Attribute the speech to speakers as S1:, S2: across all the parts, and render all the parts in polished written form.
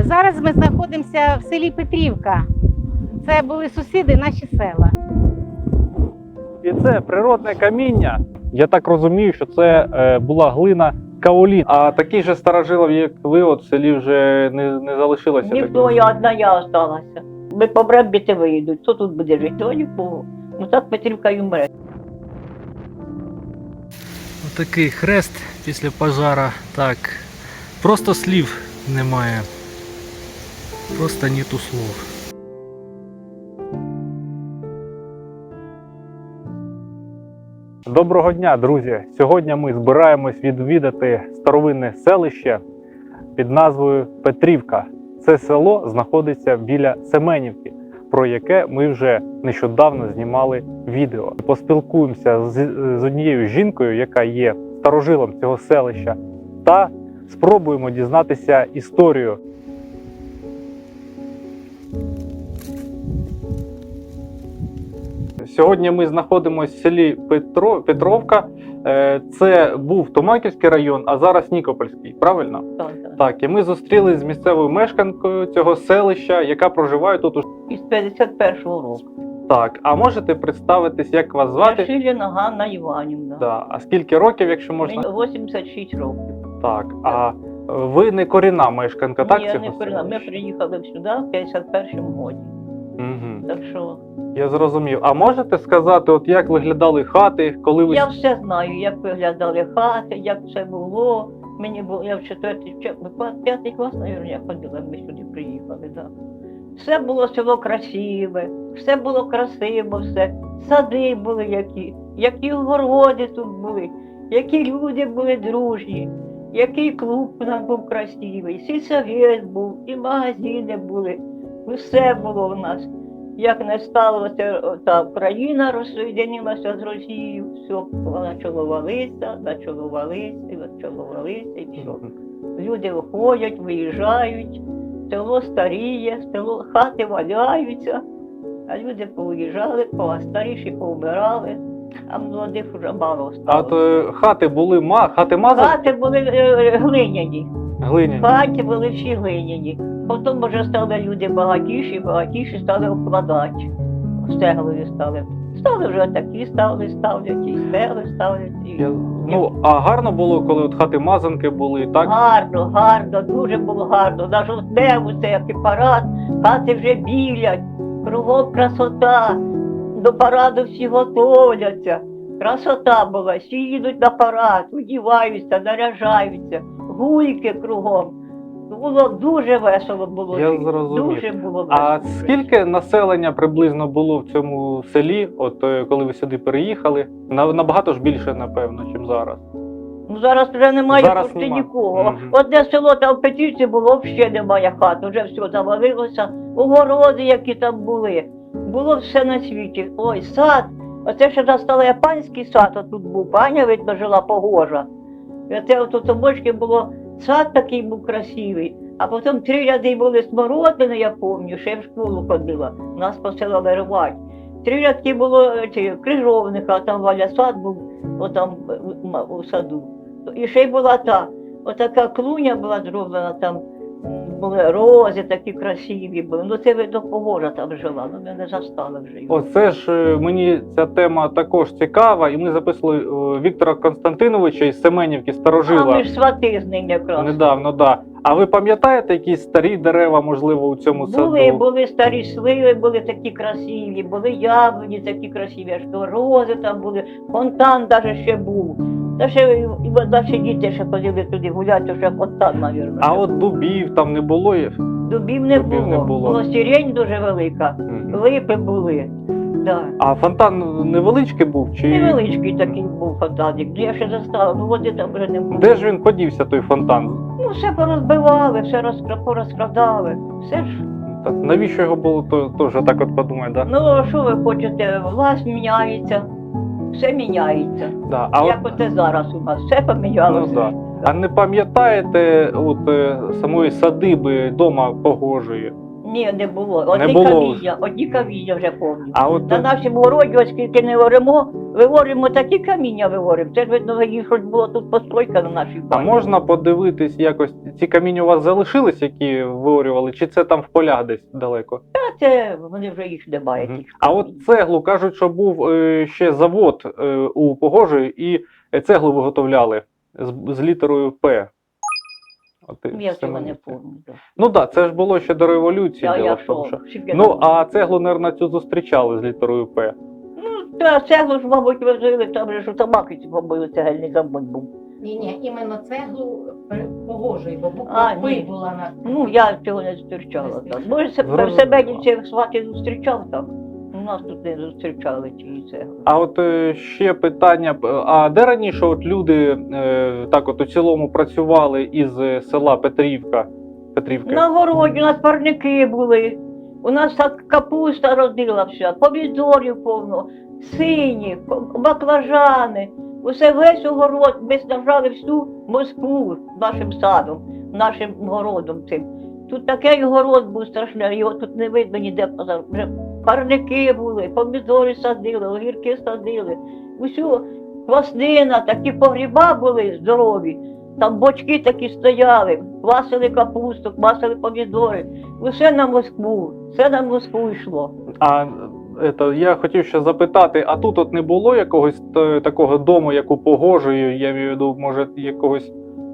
S1: Зараз ми знаходимося в селі Петрівка. Це були сусіди, наші села.
S2: І це природне каміння. Я так розумію, що це була глина каолін. А таких же старожилів, як ви, от в селі вже не залишилося?
S3: Ніхто, я одна я осталася. Ми по Брембіти виїдуть, хто тут буде жити? То нікого. Ну так Петрівка й умре.
S4: Отакий хрест після пожара. Так, просто слів немає. Просто нету слов.
S2: Доброго дня, друзі! Сьогодні ми збираємось відвідати старовинне селище під назвою Петрівка. Це село знаходиться біля Семенівки, про яке ми вже нещодавно знімали відео. Поспілкуємося з однією жінкою, яка є старожилом цього селища, та спробуємо дізнатися історію. Сьогодні ми знаходимося в селі Петровка. Це був Томаківський район, а зараз Нікопольський, правильно?
S3: Так.
S2: Так, і ми зустрілися з місцевою мешканкою цього селища, яка проживає тут.
S3: Із 51-го року.
S2: Так, а можете представитись, як вас звати?
S3: Шиліна Ганна Іванівна.
S2: Да. А скільки років, якщо можна?
S3: Мені 86 років.
S2: Так, а ви не корінна мешканка, так?
S3: Ні,
S2: цього
S3: не корінна. Ми
S2: селища?
S3: приїхали сюди в 51-му році.
S2: Угу.
S3: Так що
S2: Я зрозумів. А можете сказати, от як виглядали хати, коли ви...
S3: я все знаю, як виглядали хати, як все було. Мені було, я в 5-й клас, мабуть, я ходила, ми сюди приїхали. Да. Все було село красиве, все було красиво, все. Сади були які городи тут були, які люди були дружні, який клуб у нас був красивий, сільсовет був, і магазини були, все було у нас. Як не сталося, та Україна розсоєдинилася з Росією, все, почало валитися, і все. Люди виходять, виїжджають, село старіє, хати валяються, а люди повиїжджали, старіші повмирали, а молодих вже мало
S2: А
S3: стало.
S2: то хати були хати мазані?
S3: Хати були глиняні.
S2: Глиняні.
S3: Хаті були всі глиняні. Потім вже стали люди багатіші стали обкладати. Стеглові стали. Стали вже такі, ставлять, і стегли ставлять.
S2: Ну, а гарно було, коли от хати мазанки були, так?
S3: Гарно, дуже було гарно. На жовтневу це як і парад, хати вже білять, кругом красота. До параду всі готовляться. Красота була, всі їдуть на парад, одіваються, наряжаються, гульки кругом. Було дуже весело було.
S2: Я зрозумів.
S3: Дуже було весело.
S2: А скільки населення приблизно було в цьому селі, от коли ви сюди переїхали? Набагато ж більше, напевно, ніж зараз.
S3: Ну зараз вже немає
S2: Зараз
S3: почти
S2: нема.
S3: нікого.
S2: Мгм.
S3: Одне село там в Петрівці було, ще немає хат, вже все завалилося. Огороди, які там були. Було все на світі. Ой, сад. Оце ще настало панський сад, отут був. Паня, видно, жила погожа. І оце отут у бочки було, сад такий був красивий. А потім 3 ряди були смородини, я пам'ятаю, ще я в школу ходила. Нас посилали рвати. 3 рядки було крижовника, там Валя сад був, отам у саду. І ще й була отака клуня була зроблена, там були рози такі красиві були. Ну це видно погожа там жила, ну ми не застали вже його.
S2: Оце ж мені ця тема також цікава, і ми записували Віктора Константиновича із Семенівки,
S3: А
S2: старожила.
S3: ми ж свати з ним якраз.
S2: Недавно, да. А ви пам'ятаєте якісь старі дерева, можливо, у цьому саду?
S3: Були старі сливи, були такі красиві, були яблуні такі красиві, аж то рози там були, фонтан навіть ще був. Та ще і наші діти ще ходили туди гуляти, то ще фонтан, мабуть.
S2: А от дубів там не було?
S3: Дубів не
S2: Дубів не було.
S3: Було сирень дуже велика,
S2: Мгм.
S3: липи були. Да.
S2: А фонтан невеличкий був? Чи...
S3: Невеличкий такий був фонтанник, я ще застала, ну води там вже не було.
S2: Де ж він подівся, той фонтан?
S3: Ну все порозбивали, все порозкрадали, все ж.
S2: Так, навіщо його було, то теж так от подумаю, да?
S3: Ну а що ви хочете, власть міняється, все міняється.
S2: Да. А
S3: Як
S2: от,
S3: оце зараз у нас, все помінялося.
S2: ну, да. А не пам'ятаєте от самої садиби дома Погожої?
S3: Ні, не було. Одні
S2: було
S3: каміння, одні каміння вже повні.
S2: А от
S3: На нашому городі, оскільки не оремо, виворимо такі каміння виворимо. Це ж видно, їх щось було тут постройка на нашій
S2: а
S3: бані.
S2: можна подивитись якось, ці каміння у вас залишились, які виорювали, чи це там в полях десь далеко?
S3: А це вони вже їх немає.
S2: Мгм.
S3: тих
S2: А
S3: камінь.
S2: от цеглу, кажуть, що був ще завод у Погожої, і цеглу виготовляли з літерою П. От,
S3: Я цього не
S2: Семенівці.
S3: пам'ятаю.
S2: Ну так, це ж було ще до революції.
S3: Я
S2: діло в тому,
S3: що?
S2: що-
S3: Скільки
S2: Ну,
S3: там?
S2: а цеглу, мабуть, цю зустрічали з літерою П.
S3: Ну, та цеглу ж, мабуть, возили, там же ж у Тамаківці побили цегельний завод був.
S1: Ні, іменно цеглу погожий, бо
S3: А,
S1: буква
S3: ні.
S1: П була на
S3: Ну, я цього не зустрічала.
S1: Не
S3: Так.
S2: Зрозуміло.
S3: Може, в Себенівці свати зустрічав там. У нас тут не зустрічали цієї цегли.
S2: А от ще питання: а де раніше от люди так от у цілому працювали із села Петрівка?
S3: На городі у нас парники були. У нас так капуста родила вся, помідорів повно, сині, баклажани. Усе весь огород, ми снабжали всю Москву нашим садом, нашим городом цим. Тут такий город був страшний, його тут не видно ніде поза. Вже парники були, помідори садили, огірки садили. Усю кваснина, такі погріба були здорові. Там бочки такі стояли, квасили капусту, квасили помідори. Усе на Москву, все на Москву йшло.
S2: А я хотів ще запитати, а тут от не було якогось такого дому, як у Погожої, я маю в виду, може, якогось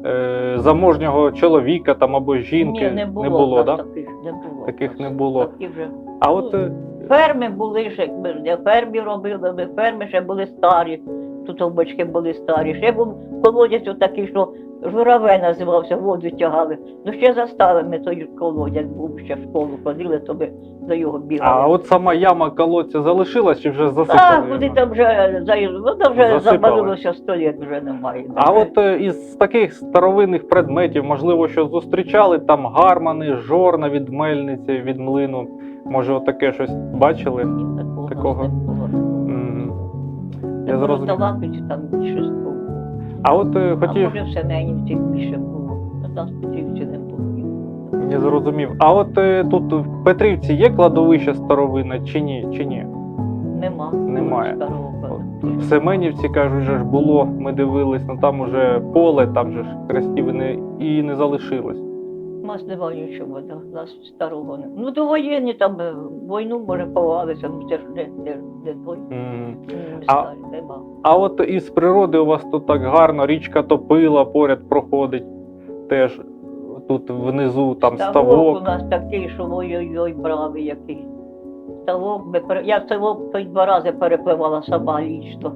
S2: заможнього чоловіка там або жінки?
S3: Ні, не було,
S2: да?
S3: таких не було.
S2: Таких не було.
S3: Такі вже.
S2: А от
S3: Ферми були ще, ми ж не фермі робили, ми ферми ще були старі, тут овбачки були старі. Ще був колодязь отакий, що жураве називався, воду тягали. Ну ще застали ми той колодязь, був ще в школу ходили, то ми до його бігали.
S2: а от сама яма колодця залишилась чи вже
S3: Так,
S2: засипали?
S3: куди
S2: його?
S3: там вже воно вже
S2: Засипали.
S3: забарилося 100 літ, вже немає.
S2: А от із таких старовинних предметів, можливо, що зустрічали там гармани, жорна від мельниці, від млину. Може, отаке щось бачили?
S3: Ні, такого
S2: такого.
S3: не було.
S2: М, Я
S3: Я
S2: зрозумів.
S3: Талапівці там більше було.
S2: А от
S3: А
S2: хотів,
S3: може в Семенівці більше було. А там в Петрівці не було.
S2: я зрозумів. А от тут в Петрівці є кладовище старовинне чи ні? Чи ні?
S3: Нема.
S2: Немає.
S3: Старого
S2: В Семенівці, кажуть, же ж було, ми дивились, ну там уже поле, там же ж хрестів і не залишилось.
S3: У нас немає нічого, да. У нас старого не. Ну до воєнні там війну може ховалися, ну це ж не той.
S2: М.
S3: Не
S2: А-
S3: старі, нема.
S2: А от із природи у вас тут так гарно, річка Топила поряд проходить. Теж тут внизу там
S3: У
S2: ставок.
S3: нас такий, що ой-ой-ой, бравий який. Ставок, я ставок той 2 рази перепливала сама лічно.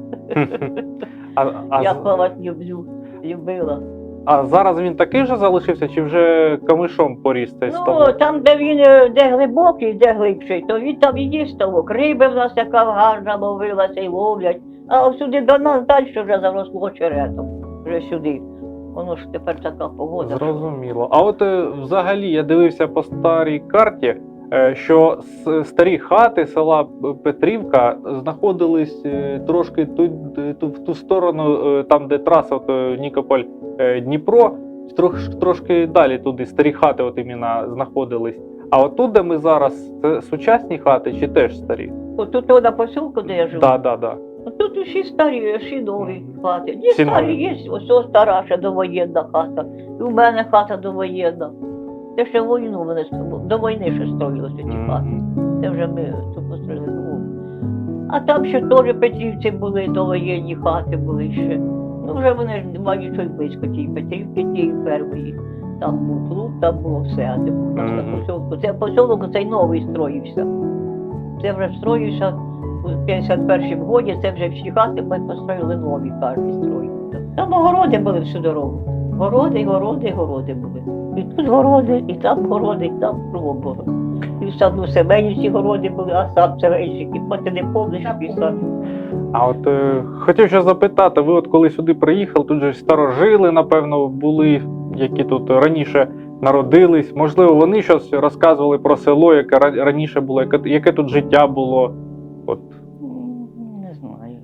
S3: Я
S2: А
S3: плавати любила.
S2: зараз він такий же залишився, чи вже камишом поріс цей
S3: Ну,
S2: ставок?
S3: там, де він де глибокий, де глибший, то він там і є ставок. Риби в нас яка гарна ловилася і ловлять. А сюди до нас далі вже заросло черетом. Вже сюди. Воно ж тепер така погода. що-
S2: Зрозуміло. А от взагалі я дивився по старій карті, що старі хати села Петрівка знаходились трошки в ту сторону, там де траса Нікополь-Дніпро, трошки далі туди старі хати от іменно знаходились. А от тут, де ми зараз, це сучасні хати чи теж старі?
S3: Отут на посілку, де я живу.
S2: Так.
S3: Тут усі старі, всі нові
S2: Мгм.
S3: хати. Є
S2: Всі
S3: старі,
S2: нові.
S3: є ось стара ще довоєнна хата. І у мене хата довоєнна. Це ще війну вони до війни ще строїлися ті хати. Це вже ми тут построїли нову. А там ще теж Петрівці були, довоєнні хати були ще. Ну вже вони ж немає нічого близько тієї Петрівки, тієї першої. Там був клуб, там було все, а де був на
S2: Мгм.
S3: посілку. Це посілок цей новий строївся. Це вже строївся у 51-му році, це вже всі хати ми построїли нові, кожен строїв. Там огороди були всю дорогу. Городи були. І тут городи, і там городи, і там кругом було. І в саду Семенівці городи були, а сад Семенівський, бо ти не помниш, який сад.
S2: А от хотів ще запитати, ви от коли сюди приїхали, тут же старожили, напевно, були, які тут раніше народились. Можливо, вони щось розказували про село, яке раніше було, яке тут життя було. От.
S3: Не знаю.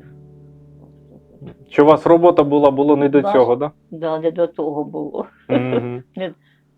S2: Чи у вас робота було не до
S3: Нас-
S2: цього, так?
S3: Да, не до того було.
S2: Да? Мгм.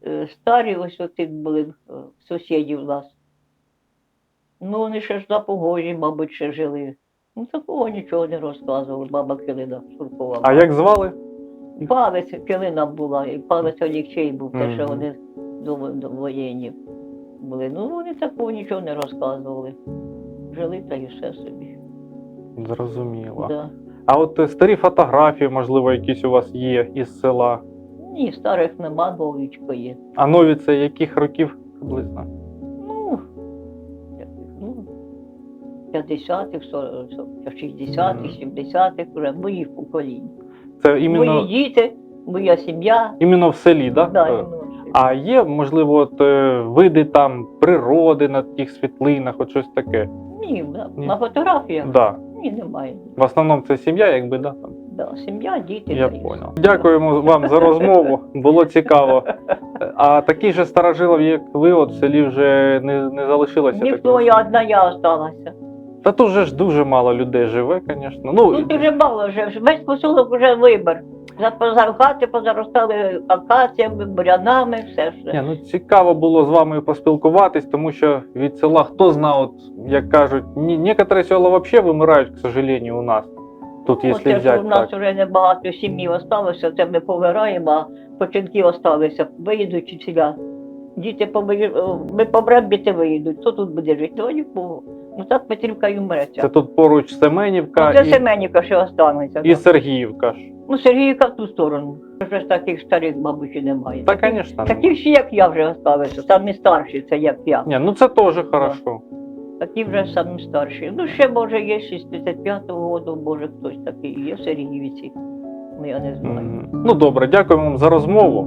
S3: старі ось оці були сусідів у нас. Ну, вони ще ж на Погожі, мабуть, ще жили. Ну, такого нічого не розказували, баба Килина Шуркова.
S2: А як звали?
S3: Палець Килина була, і палець Олексій був, те, що
S2: Мгм.
S3: вони до воєнні були. Ну, вони такого нічого не розказували. Жили та й все собі.
S2: Зрозуміло.
S3: Да.
S2: А от старі фотографії, можливо, якісь у вас є із села.
S3: Ні, старих нема, новічко є.
S2: А нові це яких років приблизно?
S3: Ну, ну 50-х, 60-х, 70-х, вже моїх поколінь.
S2: Це
S3: Мої
S2: іменно,
S3: діти, моя сім'я.
S2: іменно в селі, так?
S3: Да,
S2: Да?
S3: іменно.
S2: А є, можливо, от, види там природи на тих світлинах, от щось таке?
S3: Ні,
S2: Ні.
S3: на фотографіях?
S2: Да.
S3: Ні, немає.
S2: В основному це сім'я, якби, да? Там.
S3: Да, сім'я, діти.
S2: Я
S3: та й
S2: понял.
S3: все.
S2: Дякуємо вам за розмову, було цікаво. А таких же старожилів, як ви, от в селі вже не залишилося?
S3: Ніхто,
S2: таких?
S3: я одна я осталася.
S2: Та тут же ж дуже мало людей живе, звісно.
S3: Тут дуже мало вже, весь поселок вже вибір. Хати позаростали акаціями, бурянами, все
S2: Ні,
S3: ж.
S2: ну цікаво було з вами поспілкуватись, тому що від села хто знає, от, як кажуть, некоторі села взагалі вимирають, к сожалению, у нас. Тут, якщо
S3: Оце ж
S2: взяти
S3: у нас
S2: так.
S3: вже небагато сім'ї залишилося, це ми повираємо, а починки залишилися, виїдуть і сюди. Діти ми помремо, діти виїдуть. Хто тут буде жити? Ну, нікого. Ну так Петрівка і
S2: Це
S3: вмреться.
S2: тут поруч Семенівка
S3: Це
S2: і,
S3: Семенівка ще останеться.
S2: і Сергіївка ж.
S3: Ну, Сергійка в ту сторону. Вже ж таких старих, мабуть, і немає.
S2: Та, звісно.
S3: Такі всі, як я, вже залишилися. Самі старші, це як я.
S2: Ні, ну це теж хорошо.
S3: Такі вже самі старші. Ну, ще, може, є 65-го року, може, хтось такий є в Сергіївці. Ну, я не знаю.
S2: Мгм. Ну добре, дякуємо вам за розмову.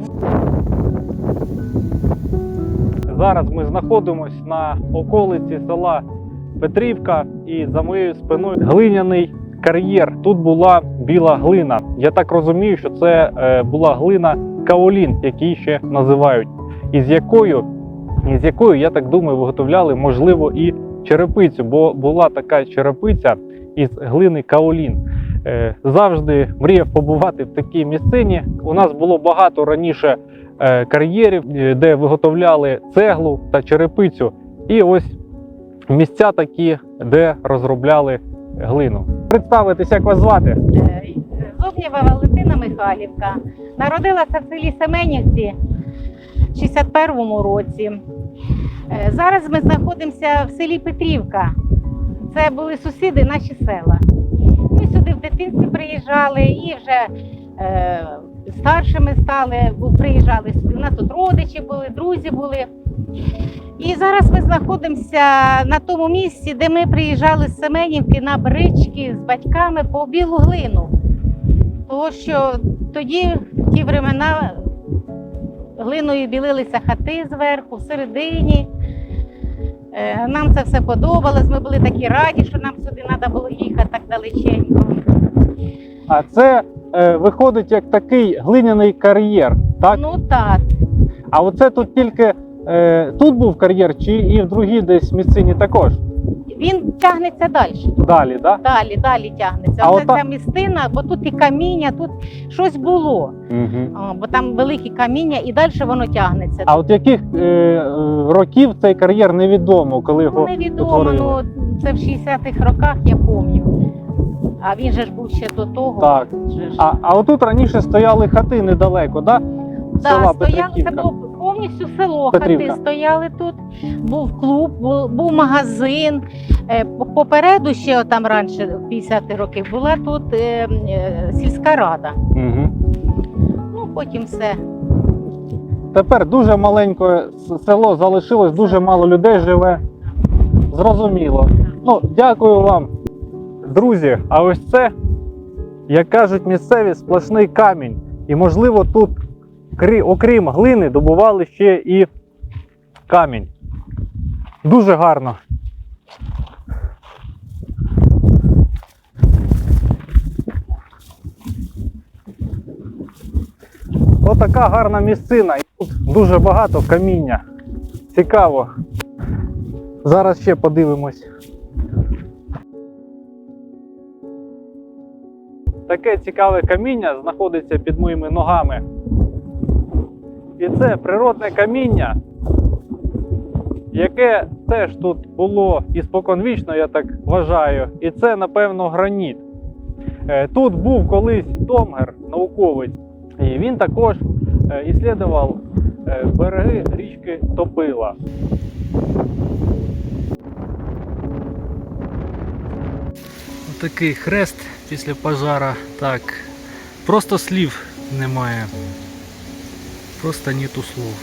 S2: Зараз ми знаходимося на околиці села Петрівка і за моєю спиною глиняний кар'єр. Тут була біла глина. Я так розумію, що це була глина каолін, який ще називають, із якою, я так думаю, виготовляли, можливо, і черепицю, бо була така черепиця із глини каолін. Завжди мріяв побувати в такій місцині. У нас було багато раніше кар'єрів, де виготовляли цеглу та черепицю. І ось місця такі, де розробляли глину. Представитись, як вас звати?
S1: Зубнєва Валентина Михайлівка. Народилася в селі Семенівці в 61-му році. Зараз ми знаходимося в селі Петрівка. Це були сусіди, наші села. Ми сюди в дитинстві приїжджали і вже старшими стали, приїжджали сюди. У нас тут родичі були, друзі були. І зараз ми знаходимося на тому місці, де ми приїжджали з Семенівки на брички з батьками по білу глину. Тому що тоді, в ті времена, глиною білилися хати зверху, всередині. Нам це все подобалось, ми були такі раді, що нам сюди треба було їхати так далеченько.
S2: А це виходить як такий глиняний кар'єр, так?
S1: Ну так.
S2: А оце тут тільки тут був кар'єр, чи і в другій десь місцині також?
S1: Він тягнеться далі.
S2: Далі, так?
S1: Далі тягнеться.
S2: А
S1: Оце
S2: ота-
S1: ця місцина, бо тут і каміння, тут щось було.
S2: Угу.
S1: Бо там великі каміння і далі воно тягнеться.
S2: А от яких років цей кар'єр невідомо, коли його
S1: Невідомо,
S2: утворили?
S1: ну це в 60-х роках, я пам'ятаю. А він же ж був ще до того.
S2: Так.
S1: Же ж.
S2: А отут раніше стояли хати недалеко, так?
S1: Да, стояли, це було повністю село,
S2: Петрівка.
S1: хати стояли тут, був клуб, був магазин. Попереду ще там раніше, в 50-ті роки, була тут сільська рада.
S2: Угу.
S1: Ну, потім все.
S2: Тепер дуже маленьке село залишилось, дуже мало людей живе. Зрозуміло. Ну, дякую вам. Друзі, а ось це, як кажуть місцеві, сплошний камінь. І можливо тут, окрім глини, добували ще і камінь. Дуже гарно. Отака гарна місцина. І тут дуже багато каміння. Цікаво. Зараз ще подивимось. Таке цікаве каміння знаходиться під моїми ногами. І це природне каміння, яке теж тут було і споконвічно, я так вважаю. І це, напевно, граніт. Тут був колись Домгер, науковець, і він також іслідував береги річки Топила.
S4: Такий хрест після пожара. Так, просто слів немає. Просто нету слов.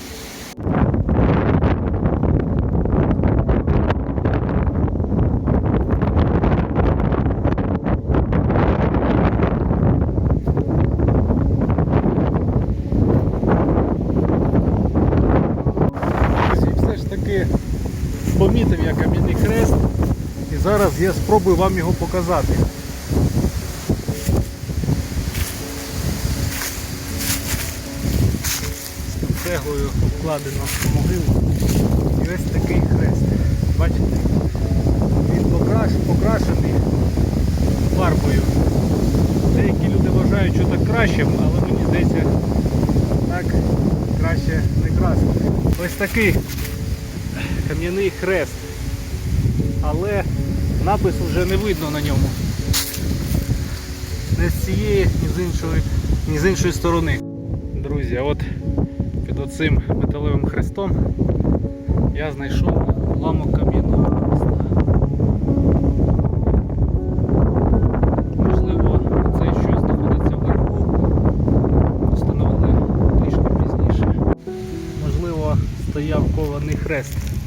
S4: Друзі, все ж таки помітив я кам'яний хрест. І зараз я спробую вам його показати. Цеглою обкладено могилу. І ось такий хрест. Бачите? Він покрашений фарбою. Деякі люди вважають, що так краще, але мені здається, так краще не красити. Ось такий кам'яний хрест. Але напису вже не видно на ньому. Не з цієї, ні з іншої сторони. Друзі, а от під оцим металевим хрестом я знайшов уламок кам'яного хреста. Можливо, це що знаходиться вверху, встановили трішки пізніше. Можливо, стояв кований хрест.